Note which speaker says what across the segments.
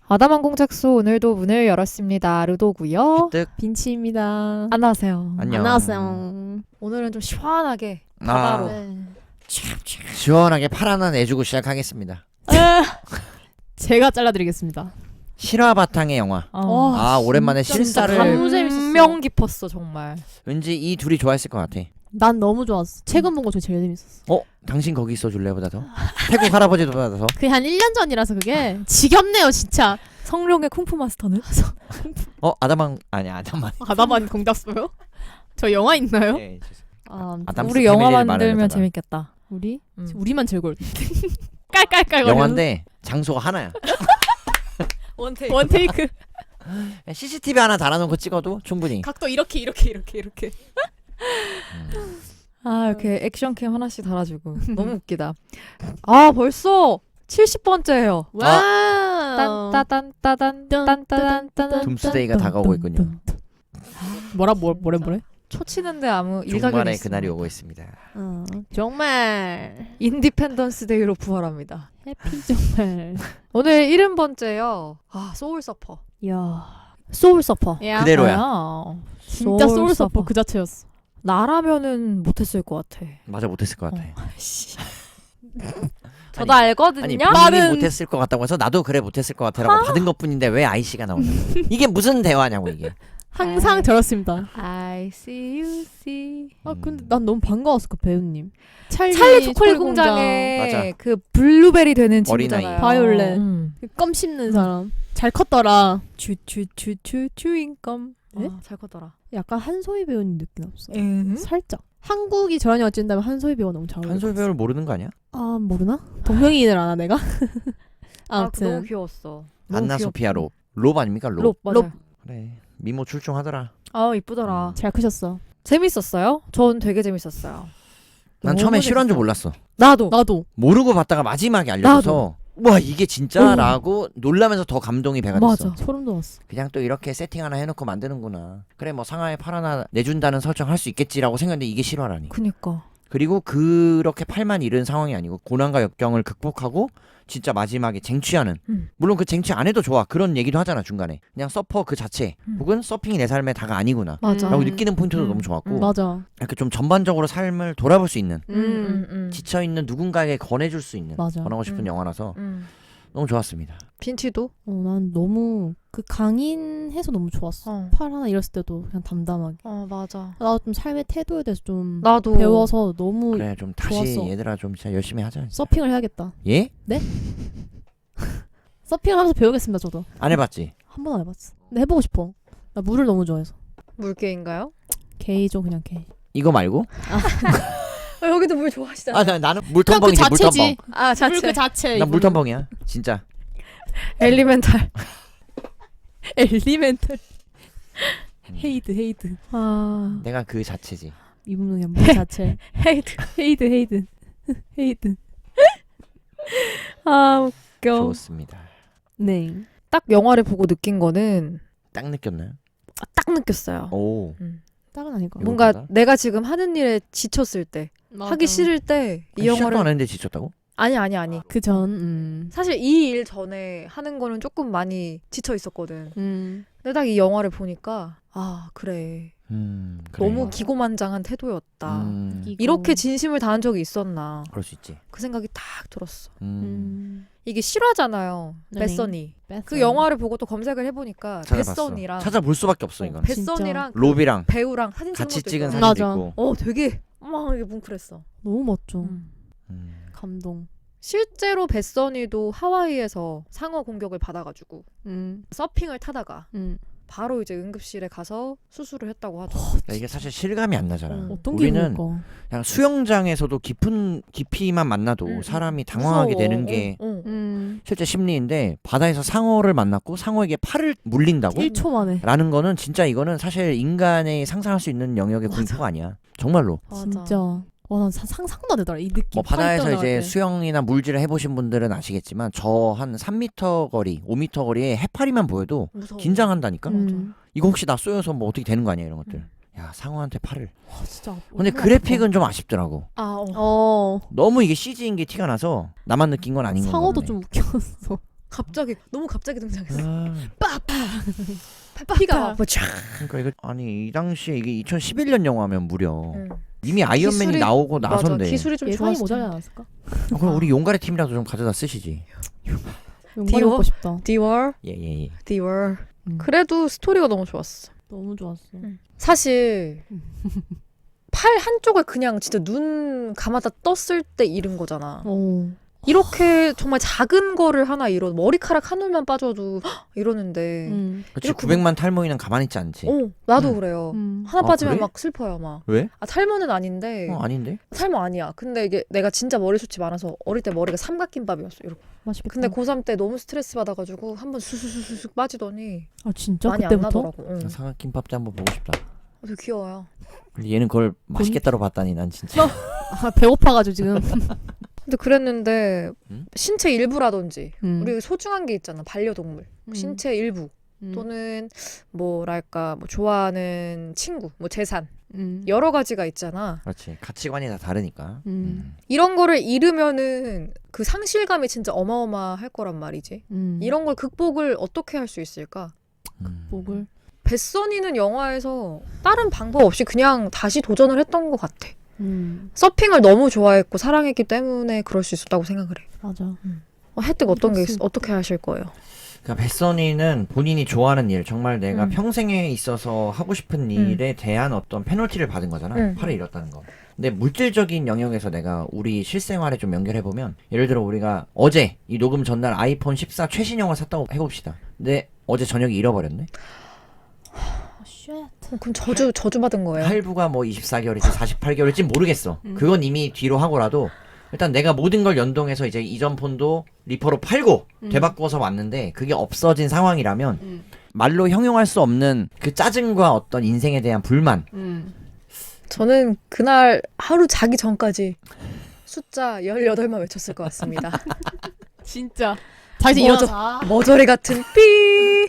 Speaker 1: 아담한 공작소 오늘도 문을 열었습니다. 르도고요.
Speaker 2: 뜨
Speaker 3: 빈치입니다.
Speaker 1: 안녕하세요.
Speaker 2: 안녕.
Speaker 3: 안녕하세요.
Speaker 1: 오늘은 좀 시원하게 바다로.
Speaker 3: 네.
Speaker 2: 시원하게 팔 하나 내주고 시작하겠습니다.
Speaker 3: 제가 잘라드리겠습니다.
Speaker 2: 실화 바탕의 영화. 아 오랜만에
Speaker 1: 진짜
Speaker 2: 실사를
Speaker 3: 너무 재밌었어.
Speaker 1: 감명 깊었어 정말.
Speaker 2: 왠지 이 둘이 좋아했을 것 같아.
Speaker 3: 난 너무 좋았어. 최근 본 거 중에 제일 재밌었어.
Speaker 2: 당신 거기 있어 줄래 보다 더? 태국 할아버지보다 더?
Speaker 3: 그게 한 1년 전이라서 그게 지겹네요 진짜.
Speaker 1: 성룡의 쿵푸 마스터는?
Speaker 2: 아담한 아니야 아담한.
Speaker 3: 아담한 공작소요? 저 영화 있나요?
Speaker 2: 네,
Speaker 1: 우리
Speaker 2: 아담스
Speaker 1: 우리 영화
Speaker 2: 패밀리를
Speaker 1: 만들면
Speaker 2: 말하려다가.
Speaker 3: 재밌겠다. 우리만 즐거울 텐데. 깔깔깔
Speaker 2: 영화인데 장소가 하나야.
Speaker 3: 원테이크.
Speaker 2: CCTV 하나 달아놓고 찍어도 충분히.
Speaker 3: 각도 이렇게.
Speaker 1: 아 이렇게 액션캠 하나씩 달아주고 너무 웃기다. 아 벌써 70번째예요.
Speaker 3: 와우.
Speaker 1: 딴따단 딴따단
Speaker 2: 둠스데이가 다가오고 있군요.
Speaker 3: 뭐래?
Speaker 1: 초치는데 아무 일각이
Speaker 2: 종말의
Speaker 1: 없어.
Speaker 2: 그날이 오고 있습니다.
Speaker 3: 정말
Speaker 1: 인디펜던스 데이로 부활합니다.
Speaker 3: 해피 정말.
Speaker 1: 오늘 70번째요. 아 소울 서퍼.
Speaker 3: 야.
Speaker 1: 소울 서퍼.
Speaker 2: 그대로야.
Speaker 3: 진짜 소울 서퍼 그 자체였어.
Speaker 1: 나라면은 못했을 것 같아.
Speaker 2: 맞아 못했을 것 같아.
Speaker 1: 저도 알거든요.
Speaker 2: 아니 본인이 못했을 것 같다고 해서 나도 그래 못했을 것 같아라고 받은 것뿐인데 왜 아이씨가 나오냐. 이게 무슨 대화냐고 이게.
Speaker 3: 항상 저렇습니다.
Speaker 1: I see you see.
Speaker 3: 근데 난 너무 반가웠어 그 배우님.
Speaker 1: 찰리 초콜릿 공장에
Speaker 2: 맞아.
Speaker 1: 그 블루베리 되는
Speaker 2: 어린아이.
Speaker 1: 친구잖아요.
Speaker 3: 바이올렛.
Speaker 1: 음.
Speaker 3: 껌 씹는 사람. 잘 컸더라.
Speaker 1: 주인껌.
Speaker 3: 네?
Speaker 1: 잘 컸더라.
Speaker 3: 약간 한소희 배우님 느낌 없어?
Speaker 1: 음?
Speaker 3: 살짝. 한국이 저런 영화 찍는다면 한소희 배우가 너무 잘 어울려.
Speaker 2: 한솔 배우를 모르는 거 아니야?
Speaker 3: 아 모르나? 동명이인을 아나 내가?
Speaker 1: 너무
Speaker 3: 아무튼
Speaker 1: 귀여웠어.
Speaker 2: 안나 소피아 롭 아닙니까 롭?
Speaker 1: 롭 맞아.
Speaker 2: 그래 미모 출중하더라.
Speaker 1: 아 이쁘더라.
Speaker 3: 잘 크셨어.
Speaker 1: 재밌었어요? 전 되게 재밌었어요.
Speaker 2: 난
Speaker 1: 너무
Speaker 2: 처음에 실화인 줄
Speaker 1: 재밌어.
Speaker 2: 몰랐어.
Speaker 3: 나도.
Speaker 2: 모르고 봤다가 마지막에 알려줘서 와 이게 진짜라고 놀라면서 더 감동이 배가 됐어.
Speaker 1: 맞아.
Speaker 3: 소름 돋았어.
Speaker 2: 그냥 또 이렇게 세팅 하나 해놓고 만드는구나. 그래 뭐 상하에 팔 하나 내준다는 설정 할 수 있겠지라고 생각했는데 이게 실화라니.
Speaker 1: 그니까.
Speaker 2: 그리고 그렇게 팔만 잃은 상황이 아니고 고난과 역경을 극복하고 진짜 마지막에 쟁취하는 물론 그 쟁취 안 해도 좋아 그런 얘기도 하잖아 중간에 그냥 서퍼 그 자체 혹은 서핑이 내 삶의 다가 아니구나
Speaker 1: 맞아.
Speaker 2: 라고 느끼는 포인트도 너무 좋았고
Speaker 3: 맞아.
Speaker 2: 이렇게 좀 전반적으로 삶을 돌아볼 수 있는
Speaker 3: 음.
Speaker 2: 지쳐있는 누군가에게 권해줄 수 있는
Speaker 3: 맞아.
Speaker 2: 권하고 싶은 영화라서
Speaker 1: 음.
Speaker 2: 너무 좋았습니다.
Speaker 1: 빈치도?
Speaker 3: 난 너무 그 강인해서 너무 좋았어. 팔 하나 잃었을 때도 그냥 담담하게.
Speaker 1: 맞아.
Speaker 3: 나도 좀 삶의 태도에 대해서 좀
Speaker 1: 나도
Speaker 3: 배워서 너무
Speaker 2: 그래 좀 다시
Speaker 3: 좋았어.
Speaker 2: 얘들아 좀 진짜 열심히 하자. 진짜.
Speaker 3: 서핑을 해야겠다.
Speaker 2: 예?
Speaker 3: 서핑을 하면서 배우겠습니다 저도.
Speaker 2: 안 해봤지?
Speaker 3: 한 번 안 해봤어. 근데 해보고 싶어. 나 물을 너무 좋아해서.
Speaker 1: 물개인가요?
Speaker 3: 게이죠 그냥 게이.
Speaker 2: 이거 말고?
Speaker 1: 여기도 물 좋아하시잖아.
Speaker 2: 나는 물텀벙이지 물텀벙.
Speaker 1: 아 자체.
Speaker 3: 물 그 자체.
Speaker 2: 난 물텀벙이야 진짜.
Speaker 1: 엘리멘탈.
Speaker 3: 엘리멘탈. 헤이드.
Speaker 2: 내가 그 자체지.
Speaker 3: 이분은 그냥 물 자체. 헤이드.
Speaker 1: 아 웃겨.
Speaker 2: 좋습니다.
Speaker 3: 네.
Speaker 1: 딱 영화를 보고 느낀 거는
Speaker 2: 딱 느꼈나요?
Speaker 1: 딱 느꼈어요.
Speaker 2: 오.
Speaker 3: 딱은 아닐 거.
Speaker 2: 이거
Speaker 1: 뭔가
Speaker 2: 보다?
Speaker 1: 내가 지금 하는 일에 지쳤을 때, 하기 싫을 때 이
Speaker 2: 시작도 안
Speaker 1: 영화를
Speaker 2: 했는데 지쳤다고?
Speaker 1: 아니.
Speaker 3: 그전.
Speaker 1: 사실 이 일 전에 하는 거는 조금 많이 지쳐 있었거든. 근데 딱 이 영화를 보니까 아 그래.
Speaker 2: 그래.
Speaker 1: 너무 기고만장한 태도였다.
Speaker 3: 이거.
Speaker 1: 이렇게 진심을 다한 적이 있었나.
Speaker 2: 그럴 수 있지.
Speaker 1: 그 생각이 딱 들었어.
Speaker 3: 음.
Speaker 1: 이게 실화잖아요.
Speaker 3: 네.
Speaker 1: 뱃선이. 그 영화를 보고 또 검색을 해보니까
Speaker 2: 찾아봤어.
Speaker 1: 뱃선이랑
Speaker 2: 찾아볼 수밖에 없어 이건.
Speaker 1: 뱃선이랑 그
Speaker 2: 롭이랑
Speaker 1: 배우랑 사진 찍은
Speaker 2: 같이
Speaker 1: 것도
Speaker 2: 찍은
Speaker 1: 있잖아.
Speaker 2: 사진도
Speaker 3: 맞아.
Speaker 2: 있고.
Speaker 1: 되게 막 이게 뭉클했어.
Speaker 3: 너무 멋져.
Speaker 2: 음.
Speaker 3: 감동.
Speaker 1: 실제로 뱃선이도 하와이에서 상어 공격을 받아가지고
Speaker 3: 음.
Speaker 1: 서핑을 타다가 바로 이제 응급실에 가서 수술을 했다고 하죠.
Speaker 2: 그러니까 이게 사실 실감이 안 나잖아.
Speaker 3: 어떤
Speaker 2: 우리는
Speaker 3: 기분일까?
Speaker 2: 그냥 수영장에서도 깊이만 만나도 사람이 당황하게
Speaker 1: 무서워.
Speaker 2: 되는 게 실제 심리인데 바다에서 상어를 만났고 상어에게 팔을 물린다고?
Speaker 3: 1초 만에.
Speaker 2: 라는 거는 진짜 이거는 사실 인간이 상상할 수 있는 영역의 공포가 아니야. 정말로.
Speaker 1: 맞아.
Speaker 3: 진짜. 난 상상도 안 되더라 이 느낌.
Speaker 2: 뭐 바다에서
Speaker 3: 팔
Speaker 2: 이제
Speaker 3: 떠나갈 때.
Speaker 2: 수영이나 물질을 해보신 분들은 아시겠지만 저 한 3m 거리, 5m 거리에 해파리만 보여도
Speaker 1: 무서워.
Speaker 2: 긴장한다니까.
Speaker 3: 음.
Speaker 2: 이거 혹시 나 쏘여서 뭐 어떻게 되는 거 아니야 이런 것들. 야 상어한테 팔을.
Speaker 3: 진짜.
Speaker 2: 근데 그래픽은 좀 아쉽더라고.
Speaker 1: 아,
Speaker 3: 어.
Speaker 2: 너무 이게 CG인 게 티가 나서 나만 느낀 건 아닌 거
Speaker 3: 상어도
Speaker 2: 같네.
Speaker 3: 좀 웃겼어.
Speaker 1: 갑자기 너무 갑자기 등장했어.
Speaker 2: 아,
Speaker 1: 피가 막 쫙.
Speaker 2: 그러니까 이거 아니 이 당시에 이게 2011년 영화면 무려
Speaker 1: 응.
Speaker 2: 이미 아이언맨이
Speaker 1: 기술이-
Speaker 2: 나오고
Speaker 1: 맞아.
Speaker 2: 나선데.
Speaker 1: 기술이 좀
Speaker 3: 예산이
Speaker 1: 좋았을
Speaker 3: 모자라지
Speaker 1: 텐데.
Speaker 3: 않았을까?
Speaker 2: 그럼 우리 용가리 팀이라도 좀 가져다 쓰시지.
Speaker 3: 용가리
Speaker 1: 디워?
Speaker 3: 먹고 싶다.
Speaker 1: 디월,
Speaker 2: 예예 예.
Speaker 1: 디월.
Speaker 3: 음.
Speaker 1: 그래도 스토리가 너무 좋았어.
Speaker 3: 너무 좋았어.
Speaker 1: 사실 팔 한쪽을 그냥 진짜 눈 감았다 떴을 때 잃은 거잖아. 이렇게 정말 작은 거를 하나 잃어 머리카락 한 올만 빠져도 헉, 이러는데.
Speaker 2: 그렇지
Speaker 1: 이렇게
Speaker 2: 900만 탈모인은 가만히 있지 않지.
Speaker 1: 나도
Speaker 2: 음.
Speaker 1: 그래요. 하나
Speaker 2: 아,
Speaker 1: 빠지면
Speaker 2: 그래?
Speaker 1: 막 슬퍼요, 막.
Speaker 2: 왜?
Speaker 1: 아, 탈모는 아닌데.
Speaker 2: 아닌데?
Speaker 1: 탈모 아니야. 근데 이게 내가 진짜 머리숱이 많아서 어릴 때 머리가 삼각김밥이었어. 이렇게.
Speaker 3: 맛있겠다.
Speaker 1: 근데 고3 때 너무 스트레스 받아가지고 한번 수수수수수 빠지더니
Speaker 3: 아 진짜
Speaker 1: 많이 안
Speaker 3: 그때부터?
Speaker 1: 나더라고. 응.
Speaker 2: 삼각김밥 때 한번 보고 싶다.
Speaker 1: 되게 귀여워요.
Speaker 2: 근데 얘는 그걸 맛있겠다로 봤다니 난 진짜.
Speaker 3: 아, 배고파가지고 지금.
Speaker 1: 근데 그랬는데 신체 일부라든지
Speaker 3: 우리
Speaker 1: 우리 소중한 게 있잖아. 반려동물. 신체 일부 또는 뭐랄까 뭐 좋아하는 친구, 뭐 재산 여러 가지가 있잖아.
Speaker 2: 그렇지 가치관이 다 다르니까.
Speaker 1: 이런 거를 잃으면은 그 상실감이 진짜 어마어마할 거란 말이지. 이런 걸 극복을 어떻게 할 수 있을까?
Speaker 3: 극복을.
Speaker 1: 뱃선이는 영화에서 다른 방법 없이 그냥 다시 도전을 했던 것 같아. 서핑을 너무 좋아했고 사랑했기 때문에 그럴 수 있었다고 생각을 해.
Speaker 3: 맞아.
Speaker 1: 혜택 어떤 게 어떻게 하실 거예요?
Speaker 2: 그러니까 뱃선이는 본인이 좋아하는 일, 정말 내가
Speaker 1: 음.
Speaker 2: 평생에 있어서 하고 싶은 일에 대한 어떤 페널티를 받은 거잖아. 팔을 잃었다는 거. 근데 물질적인 영역에서 내가 우리 실생활에 좀 연결해보면, 예를 들어 우리가 어제 이 녹음 전날 아이폰 14 최신형을 샀다고 해봅시다. 근데 어제 저녁에 잃어버렸네.
Speaker 1: 그럼 저주 받은 거예요.
Speaker 2: 할부가 뭐 24개월일지 48개월일지 모르겠어. 그건 이미 뒤로 하고라도 일단 내가 모든 걸 연동해서 이제 이전 폰도 리퍼로 팔고 되바꿔서 왔는데 그게 없어진 상황이라면 말로 형용할 수 없는 그 짜증과 어떤 인생에 대한 불만.
Speaker 1: 저는 그날 하루 자기 전까지 숫자 18만 외쳤을 것 같습니다.
Speaker 3: 진짜. 다시 일어나.
Speaker 1: 머저리 같은 삐.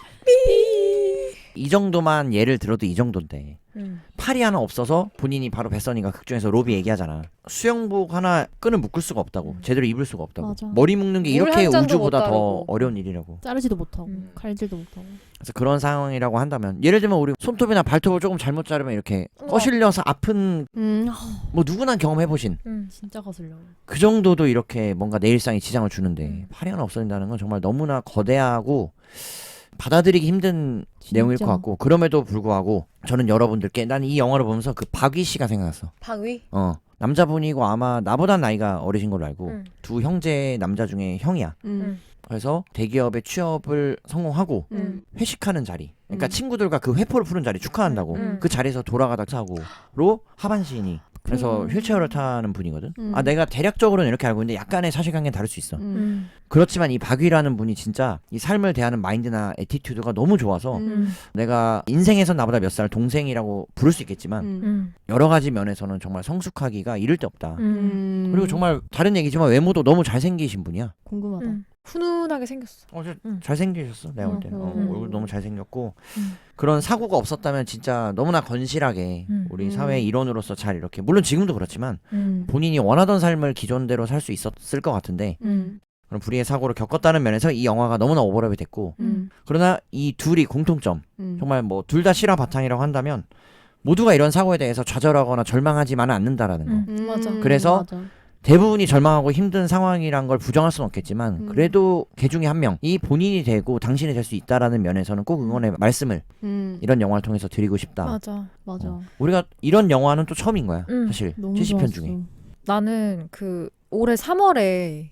Speaker 2: 이 정도만 예를 들어도 이 정도인데 팔이 하나 없어서 본인이 바로 뱃선이가 극중에서 로비 얘기하잖아. 수영복 하나 끈을 묶을 수가 없다고. 제대로 입을 수가 없다고.
Speaker 3: 맞아.
Speaker 2: 머리 묶는 게
Speaker 1: 물
Speaker 2: 이렇게
Speaker 1: 한 잔도
Speaker 2: 우주보다
Speaker 1: 못
Speaker 2: 더
Speaker 1: 따르고.
Speaker 2: 어려운 일이라고.
Speaker 3: 자르지도 못하고 칼질도 못하고.
Speaker 2: 그래서 그런 상황이라고 한다면, 예를 들면 우리 손톱이나 발톱을 조금 잘못 자르면 이렇게 거실려서 아픈, 뭐 누구나 경험해보신
Speaker 3: 진짜 거슬려.
Speaker 2: 그 정도도 이렇게 뭔가 내 일상에 지장을 주는데 팔이 하나 없어진다는 건 정말 너무나 거대하고 받아들이기 힘든 내용일 것 같고, 그럼에도 불구하고 저는 여러분들께, 난 이 영화를 보면서 그 박위 씨가 생각났어.
Speaker 1: 박위?
Speaker 2: 남자분이고 아마 나보다 나이가 어리신 걸로 알고 두 형제 남자 중에 형이야. 그래서 대기업에 취업을 성공하고 회식하는 자리, 그러니까 친구들과 그 회포를 푸는 자리 축하한다고 그 자리에서 돌아가다 사고로 하반신이, 그래서 휠체어를 타는 분이거든. 아, 내가 대략적으로는 이렇게 알고 있는데 약간의 사실관계는 다를 수 있어. 그렇지만 이 박위라는 분이 진짜 이 삶을 대하는 마인드나 애티튜드가 너무 좋아서 내가 인생에서 나보다 몇 살 동생이라고 부를 수 있겠지만 여러 가지 면에서는 정말 성숙하기가 이를 데 없다. 그리고 정말 다른 얘기지만 외모도 너무 잘생기신 분이야.
Speaker 3: 궁금하다.
Speaker 1: 훈훈하게 생겼어.
Speaker 2: 잘생기셨어 내가 볼 때. 얼굴 너무 잘생겼고 그런 사고가 없었다면 진짜 너무나 건실하게 우리 사회의 일원으로서 잘 이렇게, 물론 지금도 그렇지만 본인이 원하던 삶을 기존대로 살 수 있었을 것 같은데 그런 불의의 사고를 겪었다는 면에서 이 영화가 너무나 오버랩이 됐고, 그러나 이 둘이 공통점, 정말 뭐 둘 다 실화 바탕이라고 한다면 모두가 이런 사고에 대해서 좌절하거나 절망하지만은 않는다라는 거.
Speaker 1: 맞아.
Speaker 2: 그래서
Speaker 3: 맞아.
Speaker 2: 대부분이 절망하고 힘든 상황이란 걸 부정할 수는 없겠지만 그래도 개 중에 한 명이 본인이 되고 당신이 될 수 있다라는 면에서는 꼭 응원의 말씀을 이런 영화를 통해서 드리고 싶다.
Speaker 1: 맞아.
Speaker 3: 맞아.
Speaker 2: 우리가 이런 영화는 또 처음인 거야. 사실
Speaker 3: 너무
Speaker 2: 70편
Speaker 3: 좋았어.
Speaker 2: 중에.
Speaker 1: 나는 그 올해 3월에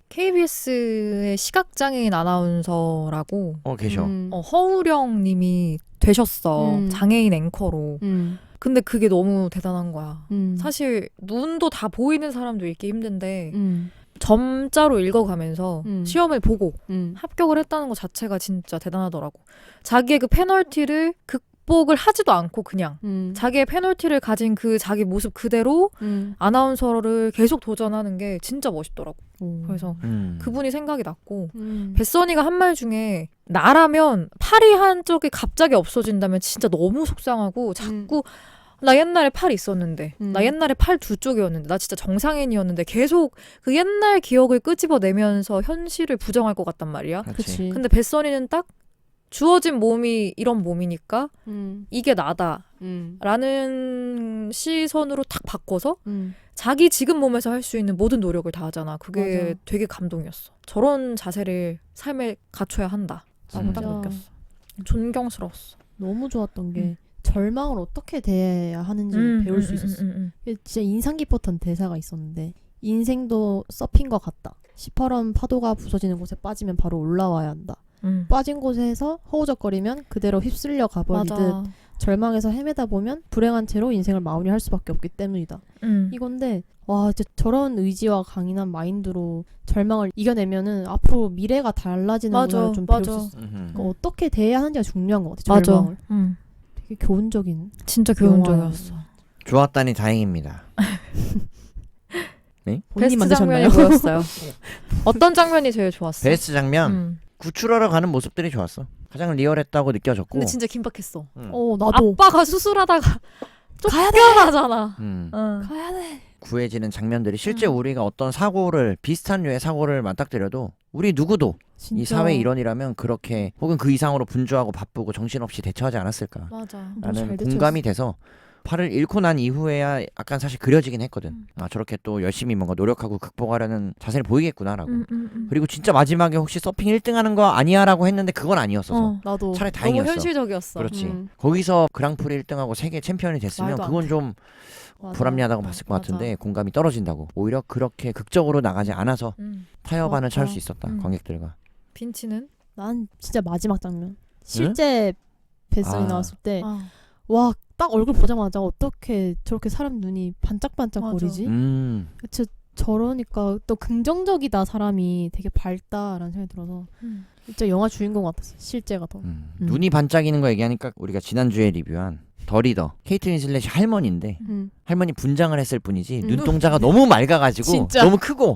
Speaker 1: KBS의 시각장애인 아나운서라고
Speaker 2: 계셔.
Speaker 1: 허우령 님이 되셨어. 장애인 앵커로. 근데 그게 너무 대단한 거야. 사실 눈도 다 보이는 사람도 읽기 힘든데 점자로 읽어가면서 시험을 보고 합격을 했다는 것 자체가 진짜 대단하더라고. 자기의 그 페널티를 극복을 하지도 않고 그냥 자기의 페널티를 가진 그 자기 모습 그대로 아나운서를 계속 도전하는 게 진짜 멋있더라고. 그래서 그분이 생각이 났고 뱃선이가 한 말 중에 나라면 팔이 한쪽이 갑자기 없어진다면 진짜 너무 속상하고 자꾸 나 옛날에 팔 있었는데 나 옛날에 팔 두 쪽이었는데 나 진짜 정상인이었는데 계속 그 옛날 기억을 끄집어내면서 현실을 부정할 것 같단 말이야.
Speaker 3: 그치.
Speaker 1: 근데 뱃선이는 딱 주어진 몸이 이런 몸이니까 이게 나다 라는 시선으로 탁 바꿔서 자기 지금 몸에서 할 수 있는 모든 노력을 다 하잖아. 그게
Speaker 3: 맞아.
Speaker 1: 되게 감동이었어. 저런 자세를 삶에 갖춰야 한다 라고 딱
Speaker 3: 진짜.
Speaker 1: 느꼈어. 존경스러웠어.
Speaker 3: 너무 좋았던 게 절망을 어떻게 대해야 하는지 배울 수 있었어. 이게 진짜 인상 깊었던 대사가 있었는데 인생도 서핑과 같다. 시퍼런 파도가 부서지는 곳에 빠지면 바로 올라와야 한다. 빠진 곳에서 허우적거리면 그대로 휩쓸려 가버리듯
Speaker 1: 맞아.
Speaker 3: 절망에서 헤매다 보면 불행한 채로 인생을 마무리할 수밖에 없기 때문이다. 이건데 와 진짜 저런 의지와 강인한 마인드로 절망을 이겨내면은 앞으로 미래가 달라지는구나 좀 배울 수 있어. 그러니까 어떻게 대해야 하는지가 중요한 것 같아. 절망을. 되게 교훈적인.
Speaker 1: 진짜 교훈적이었어.
Speaker 2: 좋았다니 다행입니다. 네?
Speaker 3: 본인이
Speaker 1: 베스트 장면이
Speaker 3: 만드셨나요?
Speaker 1: 뭐였어요? 어떤 장면이 제일 좋았어?
Speaker 2: 베스트 장면 구출하러 가는 모습들이 좋았어. 가장 리얼했다고 느껴졌고.
Speaker 1: 근데 진짜 긴박했어.
Speaker 3: 나도.
Speaker 1: 아빠가 수술하다가 쫓겨나잖아.
Speaker 3: 가야 돼.
Speaker 2: 구해지는 장면들이 실제 우리가 어떤 사고를 비슷한 류의 사고를 맞닥뜨려도 우리 누구도
Speaker 3: 진짜.
Speaker 2: 이 사회 일원이라면 그렇게 혹은 그 이상으로 분주하고 바쁘고 정신없이 대처하지 않았을까
Speaker 1: 맞아.
Speaker 2: 라는 공감이 돼서 팔을 잃고 난 이후에야 약간 사실 그려지긴 했거든. 아 저렇게 또 열심히 뭔가 노력하고 극복하려는 자세를 보이겠구나라고. 그리고 진짜 마지막에 혹시 서핑 1등 하는 거 아니야 라고 했는데 그건 아니었어서
Speaker 3: 나도.
Speaker 2: 차라리 다행이었어.
Speaker 1: 너무 현실적이었어.
Speaker 2: 그렇지. 거기서 그랑프리 1등하고 세계 챔피언이 됐으면
Speaker 1: 말도 안
Speaker 2: 그건
Speaker 1: 돼.
Speaker 2: 좀
Speaker 3: 맞아.
Speaker 2: 불합리하다고 봤을 것 같은데 공감이 떨어진다고. 오히려 그렇게 극적으로 나가지 않아서 타협안을 찾을 수 있었다. 관객들과.
Speaker 1: 빈치는?
Speaker 3: 난 진짜 마지막 장면. 실제 뱃선이 나왔을 때 와 딱 얼굴 보자마자 어떻게 저렇게 사람 눈이 반짝반짝거리지? 진짜 저러니까 또 긍정적이다 사람이 되게 밝다라는 생각이 들어서 진짜 영화 주인공 같았어. 실제가 더.
Speaker 2: 눈이 반짝이는 거 얘기하니까 우리가 지난주에 리뷰한 더 리더 케이트 윈슬렛이 할머니인데 할머니 분장을 했을 뿐이지 눈동자가 너무 맑아가지고
Speaker 3: 진짜.
Speaker 2: 너무 크고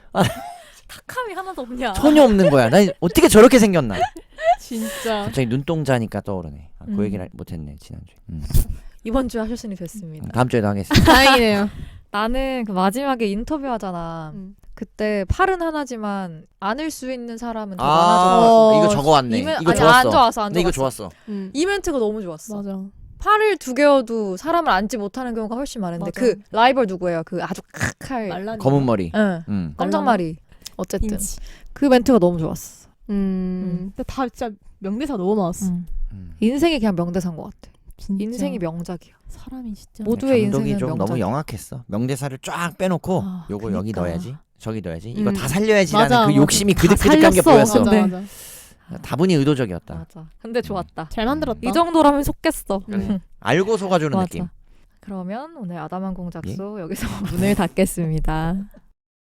Speaker 1: 탁함이 하나도 없냐.
Speaker 2: 전혀 없는 거야. 나 어떻게 저렇게 생겼나.
Speaker 3: 진짜.
Speaker 2: 갑자기 눈동자니까 떠오르네. 그 얘기를 못했네 지난주에.
Speaker 1: 이번 주에 하셨으니 됐습니다.
Speaker 2: 다음 주에도 하겠습니다.
Speaker 3: 다행이네요.
Speaker 1: 나는 그 마지막에 인터뷰하잖아. 그때 팔은 하나지만 안을 수 있는 사람은 더 많아져.
Speaker 2: 이거 적어왔네. 이거 좋았어.
Speaker 1: 안 좋았어.
Speaker 2: 근데 이거 좋았어.
Speaker 1: 이 멘트가 너무 좋았어.
Speaker 3: 맞아.
Speaker 1: 팔을 두 개여도 사람을 안지 못하는 경우가 훨씬 많은데
Speaker 3: 맞아.
Speaker 1: 그 라이벌 누구예요? 그 아주 칵할
Speaker 3: 말라니.
Speaker 2: 검은 머리.
Speaker 1: 응. 깜짝말이. 어쨌든
Speaker 3: 인치.
Speaker 1: 그 멘트가 너무 좋았어.
Speaker 3: 근데 다 진짜 명대사 너무 나왔어.
Speaker 1: 인생이 그냥 명대사인 것 같아.
Speaker 3: 진짜.
Speaker 1: 인생이 명작이야.
Speaker 3: 사람이 진짜.
Speaker 1: 모두의
Speaker 2: 감독이
Speaker 1: 인생은
Speaker 2: 좀
Speaker 1: 명작이야.
Speaker 2: 너무 영악했어. 명대사를 쫙 빼놓고 요거 여기
Speaker 1: 그러니까.
Speaker 2: 넣어야지. 저기 넣어야지. 이거 다 살려야지라는
Speaker 3: 맞아,
Speaker 2: 그
Speaker 3: 맞아.
Speaker 2: 욕심이
Speaker 1: 다
Speaker 2: 그득그득한 게
Speaker 1: 살렸어.
Speaker 2: 보였어.
Speaker 1: 네.
Speaker 3: 맞아.
Speaker 2: 다분히 의도적이었다.
Speaker 1: 맞아. 근데 좋았다.
Speaker 3: 잘 만들었다.
Speaker 1: 이 정도라면 속겠어.
Speaker 2: 그래. 알고 속아주는
Speaker 1: 맞아.
Speaker 2: 느낌.
Speaker 1: 그러면 오늘 아담한 공작소 여기서 문을 닫겠습니다.